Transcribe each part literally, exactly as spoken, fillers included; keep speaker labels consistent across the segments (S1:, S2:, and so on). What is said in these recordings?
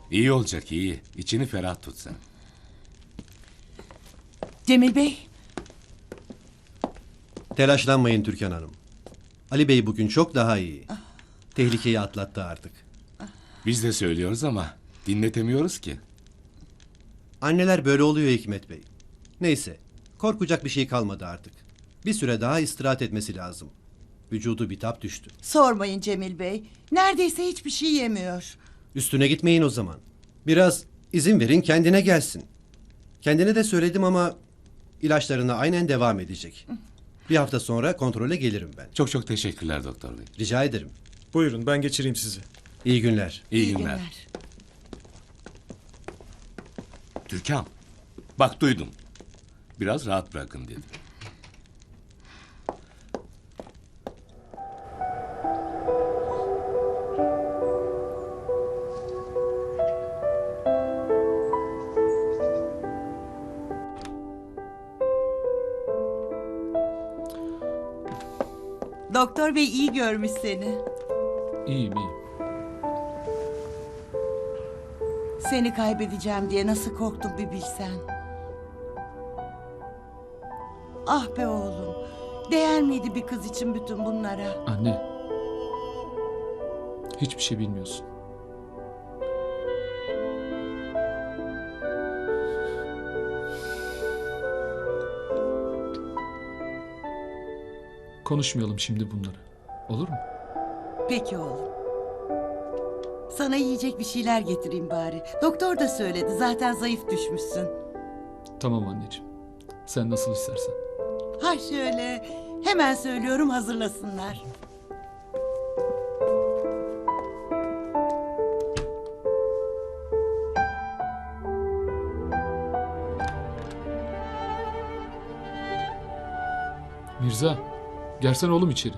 S1: İyi olacak iyi. İçini ferah tut sen.
S2: Cemil Bey,
S3: Telaşlanmayın Türkan Hanım. Ali Bey bugün çok daha iyi. Tehlikeyi atlattı artık.
S1: Biz de söylüyoruz ama dinletemiyoruz ki.
S3: Anneler böyle oluyor Hikmet Bey. Neyse, korkacak bir şey kalmadı artık. Bir süre daha istirahat etmesi lazım. Vücudu bitap düştü.
S2: sormayın Cemil Bey. Neredeyse hiçbir şey yemiyor.
S3: Üstüne gitmeyin o zaman. Biraz izin verin kendine gelsin. Kendine de söyledim ama ilaçlarına aynen devam edecek. Bir hafta sonra kontrole gelirim ben.
S1: Çok çok teşekkürler doktor bey.
S3: Rica ederim.
S4: Buyurun ben geçireyim sizi.
S3: İyi günler.
S1: İyi, günler. Türkan, bak duydum. Biraz rahat bırakın dedim.
S2: Doktor Bey iyi görmüş seni.
S5: İyiyim iyiyim.
S2: Seni kaybedeceğim diye nasıl korktum bir bilsen. Ah be oğlum. Değer miydi bir kız için bütün bunlara?
S5: Anne. Hiçbir şey bilmiyorsun. Konuşmayalım şimdi bunları. Olur mu?
S2: Peki oğlum. Sana yiyecek bir şeyler getireyim bari. Doktor da söyledi. Zaten zayıf düşmüşsün.
S5: Tamam anneciğim. Sen nasıl istersen.
S2: Ha şöyle. Hemen söylüyorum hazırlasınlar.
S5: Mirza, gelsene oğlum içeri.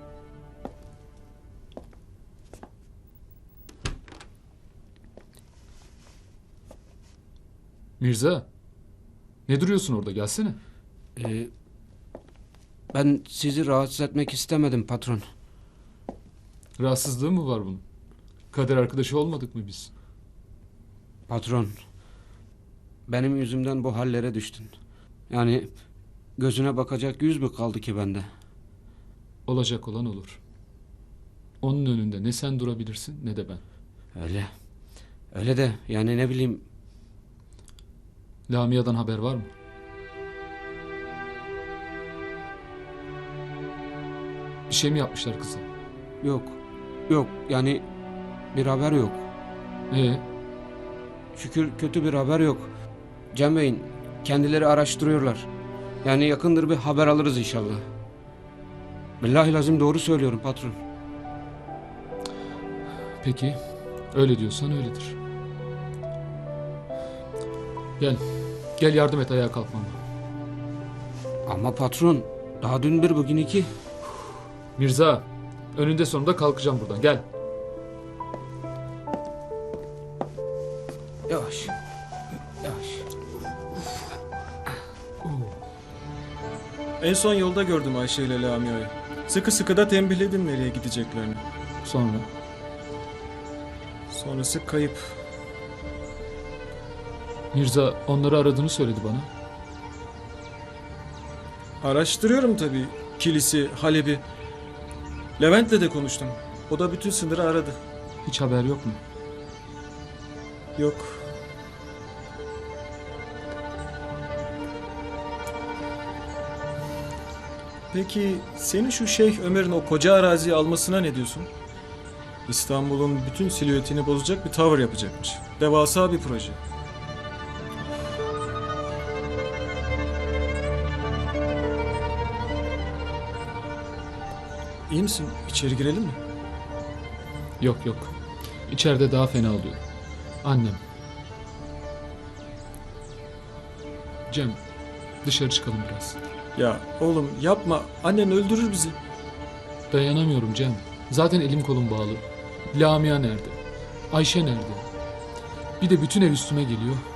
S5: Mirza, ne duruyorsun orada? Gelsene.
S6: Ee, ben sizi rahatsız etmek istemedim patron.
S5: Rahatsızlığı mı var bunun? Kader arkadaşı olmadık mı biz?
S6: Patron, benim yüzümden bu hallere düştün. Yani gözüne bakacak yüz mü kaldı ki bende?
S5: Olacak olan olur. Onun önünde ne sen durabilirsin ne de ben.
S6: Öyle. Öyle de yani ne bileyim.
S5: Lamia'dan haber var mı? Bir şey mi yapmışlar kıza?
S6: Yok. Yok yani bir haber yok.
S5: Ee,
S6: Şükür kötü bir haber yok. Cem Bey'in kendileri araştırıyorlar. Yani yakındır bir haber alırız inşallah. Billahi lazım doğru söylüyorum patron.
S5: peki. Öyle diyorsan öyledir. Gel. Gel yardım et ayağa kalkmama.
S6: Ama patron daha dün bir bugün iki.
S5: Mirza, önünde sonunda kalkacağım buradan. Gel.
S6: Yavaş. Yavaş.
S4: En son yolda gördüm Ayşe ile Lamia'yı. Sıkı sıkı da tembihledim nereye gideceklerini.
S5: Sonra.
S4: Sonrası kayıp.
S5: Mirza onları aradığını söyledi bana.
S4: Araştırıyorum tabii. Kilisi, Halep'i. Levent'le de konuştum. O da bütün sınırı aradı.
S5: Hiç haber yok mu?
S4: Yok. Peki senin şu Şeyh Ömer'in o koca araziyi almasına ne diyorsun? İstanbul'un bütün silüetini bozacak bir tavır yapacakmış. Devasa bir proje. İyi misin? İçeri girelim mi?
S5: Yok yok. İçeride daha fena oluyor. Annem. Cem, dışarı çıkalım biraz.
S4: Ya oğlum yapma. Annen öldürür bizi.
S5: Dayanamıyorum Cem. Zaten elim kolum bağlı. Lamia nerede? Ayşe nerede? Bir de bütün ev üstüme geliyor.